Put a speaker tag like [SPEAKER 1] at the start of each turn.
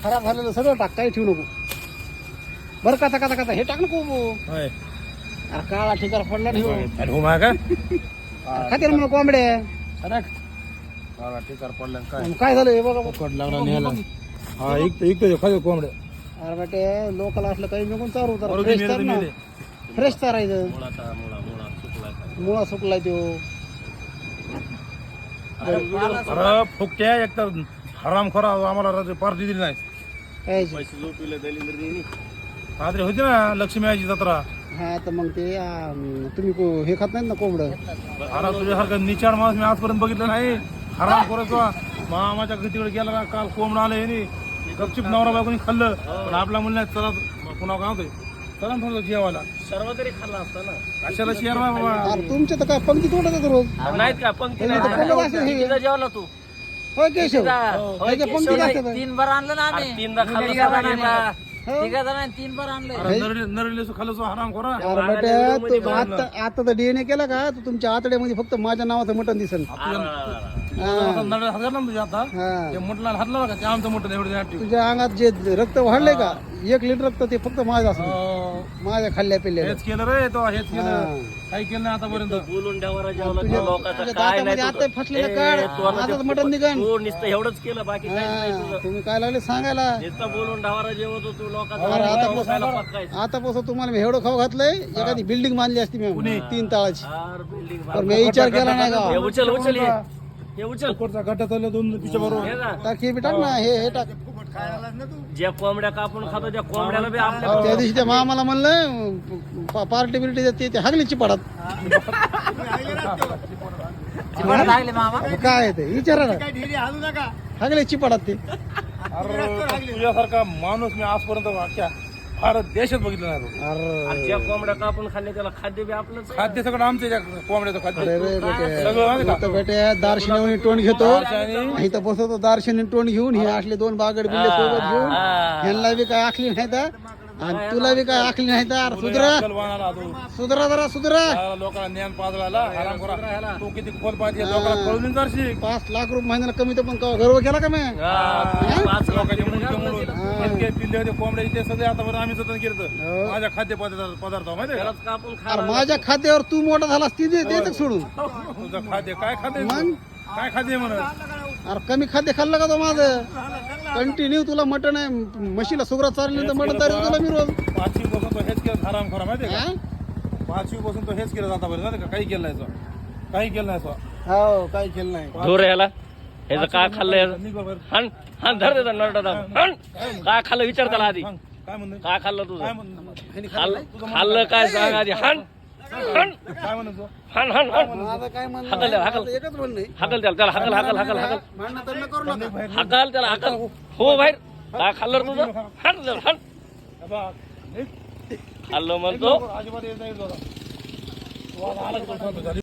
[SPEAKER 1] खराब झालेलं सगळं टाक, काही ठेवू नको बरं. कथा कथा कथा हे टाक नको.
[SPEAKER 2] होय
[SPEAKER 1] अरे काळा ठिकाण पडला नाही हो.
[SPEAKER 2] अरे हो मा का
[SPEAKER 1] खाते ना मला कोंबड्या.
[SPEAKER 2] काळा टिकार पडला काय
[SPEAKER 1] काय झालं हे बघा.
[SPEAKER 2] पकड लागला न्यायला. हा इकतो खाली कोंबड्या.
[SPEAKER 1] अरे बेटे लोकल असलं काही निघून चारू तर
[SPEAKER 2] बरोबर
[SPEAKER 1] फ्रेश
[SPEAKER 2] मेले
[SPEAKER 1] तर
[SPEAKER 2] ते
[SPEAKER 1] ना,
[SPEAKER 2] मेले.
[SPEAKER 1] फ्रेश चारायचं. मुळा सुकलाय तो.
[SPEAKER 2] अरे फुकट्या एक तर हराम खोरा आम्हाला पार्टी दिली नाही.
[SPEAKER 1] कायची?
[SPEAKER 2] रात्री होती ना लक्ष्मी आईची जत्रा.
[SPEAKER 1] हा तर मग ते तुम्ही हे खात नाहीत ना कोंबडं.
[SPEAKER 2] अरे तुझ्यासारखं निचाड माणूस मी आजपर्यंत बघितलं नाही. हराम खोराचा मामाच्या तिकडे गेला ना काल कोंबडा आलं हे गपचिप नवरा बायकोनी खाल्लं. पण आपला म्हणलं चला पुन्हा काय होतंय चला थोडं जेवायला.
[SPEAKER 3] सर्व तरी खाल्ला असता ना.
[SPEAKER 2] कशाला शेअर बाबा.
[SPEAKER 1] अरे तुमच्या तर काय पंक्ती तोडत येतो रोज.
[SPEAKER 3] नाहीत का पंक्ती
[SPEAKER 1] हे तर कोंबडं असं हे.
[SPEAKER 3] कितीदा जेवला तू?
[SPEAKER 1] होय केशव.
[SPEAKER 3] होय,
[SPEAKER 1] ह्याच्या पंक्ती
[SPEAKER 3] केशव
[SPEAKER 1] असतात.
[SPEAKER 4] 3 बार आणलं ना
[SPEAKER 3] अरे
[SPEAKER 4] आम्ही.
[SPEAKER 3] तीनदा खाल्लं सगळ्यांना.
[SPEAKER 4] तिघा जणांनी 3 बार आणलं.
[SPEAKER 2] नरले खाल्लं सो हराम खोरा.
[SPEAKER 1] अरे बेटे तू आता तर डीएनए केला का तर तुमच्या आतड्यामध्ये फक्त माझ्या नावाचं मटण दिसेल.
[SPEAKER 2] नरळे हात घातला ना तुझ्या आता
[SPEAKER 1] हा.
[SPEAKER 2] ते मोठला हातला का ते आमचं मोठं एवढं ऍक्टिव्ह.
[SPEAKER 1] तुझ्या अंगात जे रक्त वाढलंय का 1 लिटर रक्त ते फक्त माझं असं माझ्या खाल्ल्या पिल्ल्या.
[SPEAKER 2] हेच केलं रे तो हेच केलं. काही केलं नाही आतापर्यंत.
[SPEAKER 3] बोलून ढवारा जेवला
[SPEAKER 1] तुझ्या
[SPEAKER 3] लोकांचं
[SPEAKER 1] तुझ्या
[SPEAKER 3] काय नाही
[SPEAKER 1] दातामध्ये
[SPEAKER 3] तुझं.
[SPEAKER 1] आता फसलेलं
[SPEAKER 3] ए,
[SPEAKER 1] काढ
[SPEAKER 3] तू आता
[SPEAKER 1] माझंच
[SPEAKER 3] ते
[SPEAKER 1] मटण निघण.
[SPEAKER 3] तू नुसतं एवढंच केलं बाकी काही नाही
[SPEAKER 1] हा,
[SPEAKER 3] तुझं.
[SPEAKER 1] तुम्ही काय लागले सांगायला.
[SPEAKER 3] नुसतं बोलून ढवारा जेवत होतो लोकांचं
[SPEAKER 1] अरे
[SPEAKER 3] खायला पकायचं.
[SPEAKER 1] आतापासून तुम्हाला मी एवढं खाऊ घातलंय एखादी बिल्डिंग बांधली असती मी 3 ताळाची.
[SPEAKER 3] यार, building
[SPEAKER 1] पण मी विचार केला नाही
[SPEAKER 3] हे
[SPEAKER 1] का.
[SPEAKER 3] उचल उचल हे उचल
[SPEAKER 2] कोणता गड्डा चालला 2 पिशा बरोबर.
[SPEAKER 3] हे ना,
[SPEAKER 1] टाक हे बी टाक ना हे टाक.
[SPEAKER 3] ज्या कोंबड्या कापून खातो त्या कोंबड्याला बी आपल्या
[SPEAKER 1] त्या दिवशी त्या मामाला म्हणलं पार्टी बिर्टी ते हागलीची पडत.
[SPEAKER 4] चिपळूण लागले मामा.
[SPEAKER 1] काय आहे ते विचारा ना. हागलीची पडत ते.
[SPEAKER 2] अरे तुझ्यासारखा माणूस मी आजपर्यंत अख्ख्या भारत देशात बघितलं नाही बघ.
[SPEAKER 1] अरे
[SPEAKER 3] आणि ज्या कोंबड्या कापून खाल्ले त्याला खाद्य बी आपलंच आहे.
[SPEAKER 2] खाद्य सगळं आमचं त्या कोंबड्याचं
[SPEAKER 1] अरे
[SPEAKER 2] खाद्य
[SPEAKER 1] रे बेटे
[SPEAKER 2] सगळं माहिती का?
[SPEAKER 1] आता बेटे दार्शनी तोंड घेतो
[SPEAKER 2] दारशिनी.
[SPEAKER 1] इथं बसवतो दार्शनी तोंड घेऊन हे असले 2 बागड बिल्ले सोबत घेऊन ह्यांना बी काय आखली नाही तर आणि तुला बी काय आखली नाही तर सुधरा
[SPEAKER 2] कलवानाला तू
[SPEAKER 1] सुधरा जरा सुधरा.
[SPEAKER 2] त्याला लोकांना ज्ञान पाजला हराम खोरा. तू किती खोल पाहिजे लोकांना कळून जाशील.
[SPEAKER 1] 5 लाख रुपये महिन्याला कमी तर पण गर्व केला का मी.
[SPEAKER 3] पाच
[SPEAKER 2] लोकांचे मुंडके मोडून इतके पिल्ले होते कोंबड्याचे ते सगळे आतापर्यंत आम्ही जतन केलं. माझ्या खाद्य पदार्थ माहिती का
[SPEAKER 3] त्यालाच कापून खा.
[SPEAKER 1] अरे माझ्या खात्यावर तू मोठा झालास ती दे सोडून.
[SPEAKER 2] तुझं खाद्य काय खाद्य
[SPEAKER 1] मग?
[SPEAKER 2] काय खाद्य म्हणत.
[SPEAKER 1] अरे कमी खाद्य खाल्लं का तो माझं कंटिन्यू तुला मटण आहे म्हशीला सुगरा चालली तर मटण तरी तुला मी रोज.
[SPEAKER 2] 5वी पासून तो हेच केलं हराम खोरा माहिती का.
[SPEAKER 1] हा?
[SPEAKER 2] 5वी पासून तो हेच केलं आतापर्यंत माहिती का. काही केलं नाही तो. काही केलं नाही तो.
[SPEAKER 1] हो काही केलं नाही.
[SPEAKER 3] धोर याला ह्याचं काय खाल्लं याचं?
[SPEAKER 2] निघ बाबा.
[SPEAKER 3] हन हन धर देता नरडा हन काय खाल्लं विचार त्याला आधी.
[SPEAKER 2] सांग, काय म्हणणं
[SPEAKER 3] काय खाल्लं तुझं?
[SPEAKER 2] काय म्हणणं
[SPEAKER 3] खाल्लं काय सांग आधी. हन हन
[SPEAKER 2] काय म्हणत तो.
[SPEAKER 3] हन हन हन
[SPEAKER 1] माझं काय म्हणणं
[SPEAKER 3] हाकल द्या, हाकल.
[SPEAKER 1] माझं एकच म्हणणं आहे.
[SPEAKER 3] हाकल त्याला हाकल हाकल हाकल हाकल
[SPEAKER 1] भांडणं तर करू नका.
[SPEAKER 3] हाकल त्याला हाकल. हो बाहेर काय खाल्लं रे तुझं. हन हन
[SPEAKER 2] बाबा, निघ.
[SPEAKER 3] खाल्लं म्हणतो.
[SPEAKER 2] अजिबात येत नाही तो आता. तो आता आला की तो शांत झाली.